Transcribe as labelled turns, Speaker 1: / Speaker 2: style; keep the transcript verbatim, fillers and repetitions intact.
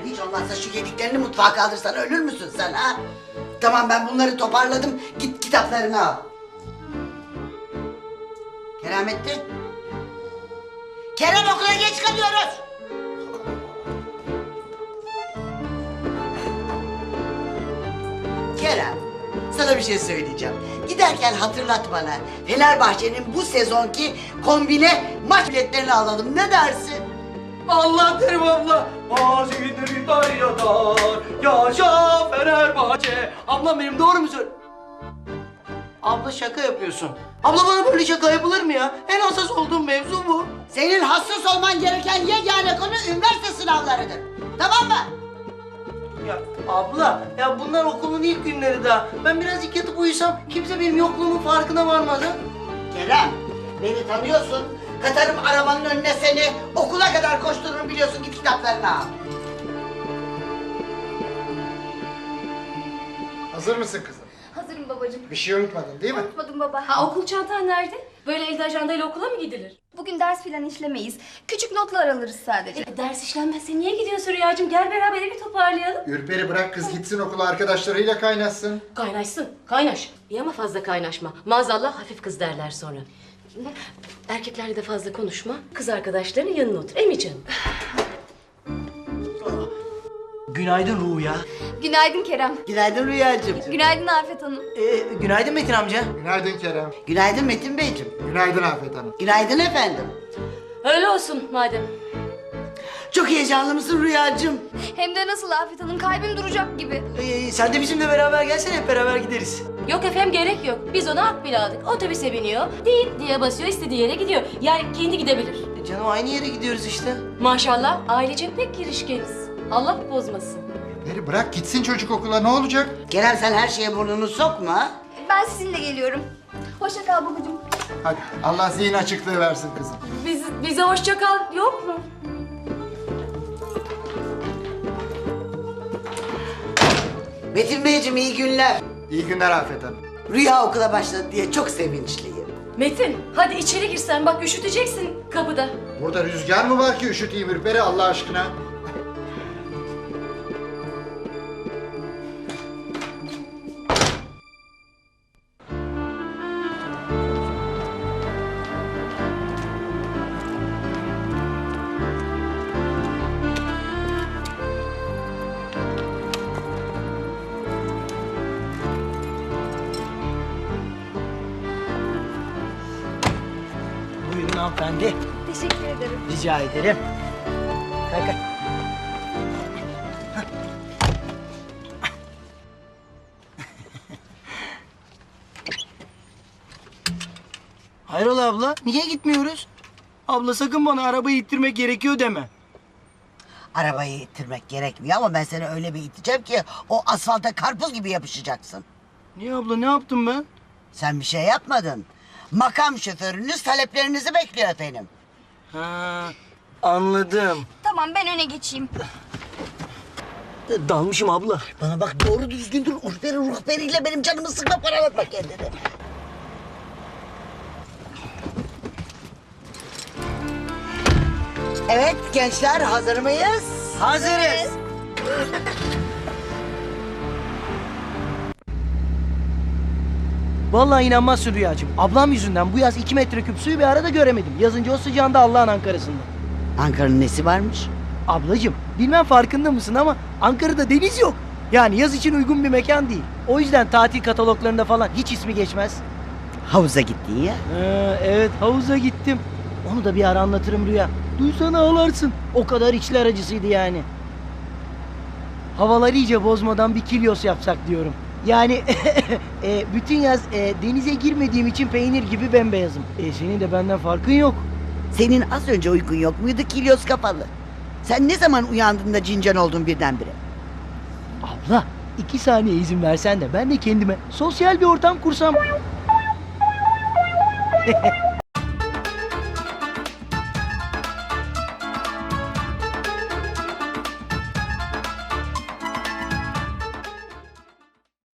Speaker 1: Hiç olmazsa şu yediklerini mutfağa kaldırsan ölür müsün sen ha? Tamam, ben bunları toparladım. Git kitaplarını al. Keramettin. Kerem, okula geç kalıyoruz. Kerem, sana bir şey söyleyeceğim. Giderken hatırlat bana. Fenerbahçe'nin bu sezonki kombine maç biletlerini alalım. Ne dersin?
Speaker 2: Allah derim abla. Mazidir İtalya'dan. Yaşa Fenerbahçe. Ablam benim, doğru mu söylüyorsun? Abla şaka yapıyorsun. Abla bana böyle şaka yapılır mı ya? En hassas olduğum mevzu bu.
Speaker 1: Senin hassas olman gereken yegane konu üniversite sınavlarıdır. Tamam mı?
Speaker 2: Ya abla, ya bunlar okulun ilk günleri daha. Ben birazcık yatıp uyusam kimse benim yokluğumun farkına varmaz ha.
Speaker 1: Kerem, beni tanıyorsun. Katarım arabanın önüne seni. Okula kadar koştururum biliyorsun. Git kitaplarını al.
Speaker 3: Hazır mısın kızım?
Speaker 4: Hazırım babacığım.
Speaker 3: Bir şey unutmadın değil mi?
Speaker 4: Unutmadım baba.
Speaker 5: Ha, okul çantan nerede? Böyle elde ajandayla okula mı gidilir?
Speaker 4: Bugün ders filan işlemeyiz. Küçük notlar alırız sadece.
Speaker 5: E, ders işlenmezse niye gidiyorsun Rüyacığım? Gel beraber evi toparlayalım.
Speaker 3: Ürperi bırak kız gitsin okula, arkadaşlarıyla kaynaşsın.
Speaker 5: Kaynaşsın, kaynaş. İyi ama fazla kaynaşma. Maazallah hafif kız derler sonra. Bak, erkeklerle de fazla konuşma. Kız arkadaşlarının yanına otur. Emi canım.
Speaker 2: Günaydın Ruya.
Speaker 4: Günaydın Kerem.
Speaker 1: Günaydın Rüyacığım.
Speaker 4: Günaydın Afet Hanım.
Speaker 2: Ee, günaydın Metin amca.
Speaker 3: Günaydın Kerem.
Speaker 1: Günaydın Metin Beyciğim.
Speaker 3: Günaydın Afet Hanım.
Speaker 1: Günaydın efendim.
Speaker 5: Öyle olsun madem.
Speaker 1: Çok heyecanlı mısın Rüyacığım?
Speaker 4: Hem de nasıl Afet Hanım, kalbim duracak gibi.
Speaker 2: Ee, sen de bizimle beraber gelsene, hep beraber gideriz.
Speaker 5: Yok efendim, gerek yok. Biz ona at bile aldık. Otobüse biniyor, değil diye basıyor, istediği yere gidiyor. Yani kendi gidebilir.
Speaker 2: E, canım aynı yere gidiyoruz işte.
Speaker 5: Maşallah ailece pek girişkeniz. Allah bozmasın.
Speaker 3: Ürperi bırak gitsin çocuk okula, ne olacak?
Speaker 1: Kerem, sen her şeye burnunu sokma.
Speaker 4: Ben sizinle geliyorum. Hoşça kal babacığım.
Speaker 3: Hadi Allah zihin açıklığı versin kızım.
Speaker 5: Biz, bize hoşça kal yok mu?
Speaker 1: Metin Beyciğim, iyi günler.
Speaker 3: İyi günler Afet Hanım.
Speaker 1: Rüya okula başladı diye çok sevinçliyim.
Speaker 5: Metin, hadi içeri girsen, bak üşüteceksin kapıda.
Speaker 3: Burada rüzgar mı var ki üşüteyim Ürperi Allah aşkına?
Speaker 2: Buyurun hanımefendi.
Speaker 4: Teşekkür ederim.
Speaker 2: Rica ederim. Kalk kalk. Hayrola abla, niye gitmiyoruz? Abla sakın bana arabayı ittirmek gerekiyor deme.
Speaker 1: Arabayı ittirmek gerekmiyor ama ben seni öyle bir iteceğim ki o asfalta karpuz gibi yapışacaksın.
Speaker 2: Niye abla, ne yaptım ben?
Speaker 1: Sen bir şey yapmadın. Makam şoförünüz taleplerinizi bekliyor efendim.
Speaker 2: Ha, anladım.
Speaker 4: Tamam, ben öne geçeyim.
Speaker 2: Dalmışım abla.
Speaker 1: Bana bak, doğru düzgün dur. Urperi ruhberiyle benim canımı sıkma, paralatma kendini. Evet gençler, hazır mıyız?
Speaker 2: Hazırız. Vallahi inanmazsın Rüyacığım. Ablam yüzünden bu yaz iki metreküp suyu bir arada göremedim. Yazınca o sıcağında Allah'ın Ankara'sında.
Speaker 1: Ankara'nın nesi varmış?
Speaker 2: Ablacığım, bilmem farkında mısın ama Ankara'da deniz yok. Yani yaz için uygun bir mekan değil. O yüzden tatil kataloglarında falan hiç ismi geçmez.
Speaker 1: Havuza gittin ya.
Speaker 2: Ee, evet, havuza gittim. Onu da bir ara anlatırım Rüya. Duysan ağlarsın. O kadar içler acısıydı yani. Havaları iyice bozmadan bir kilyos yapsak diyorum. Yani e, bütün yaz e, denize girmediğim için peynir gibi bembeyazım. E, senin de benden farkın yok.
Speaker 1: Senin az önce uykun yok muydu kilyos kafalı? Sen ne zaman uyandın da cincan oldun birdenbire?
Speaker 2: Abla, iki saniye izin versen de ben de kendime sosyal bir ortam kursam.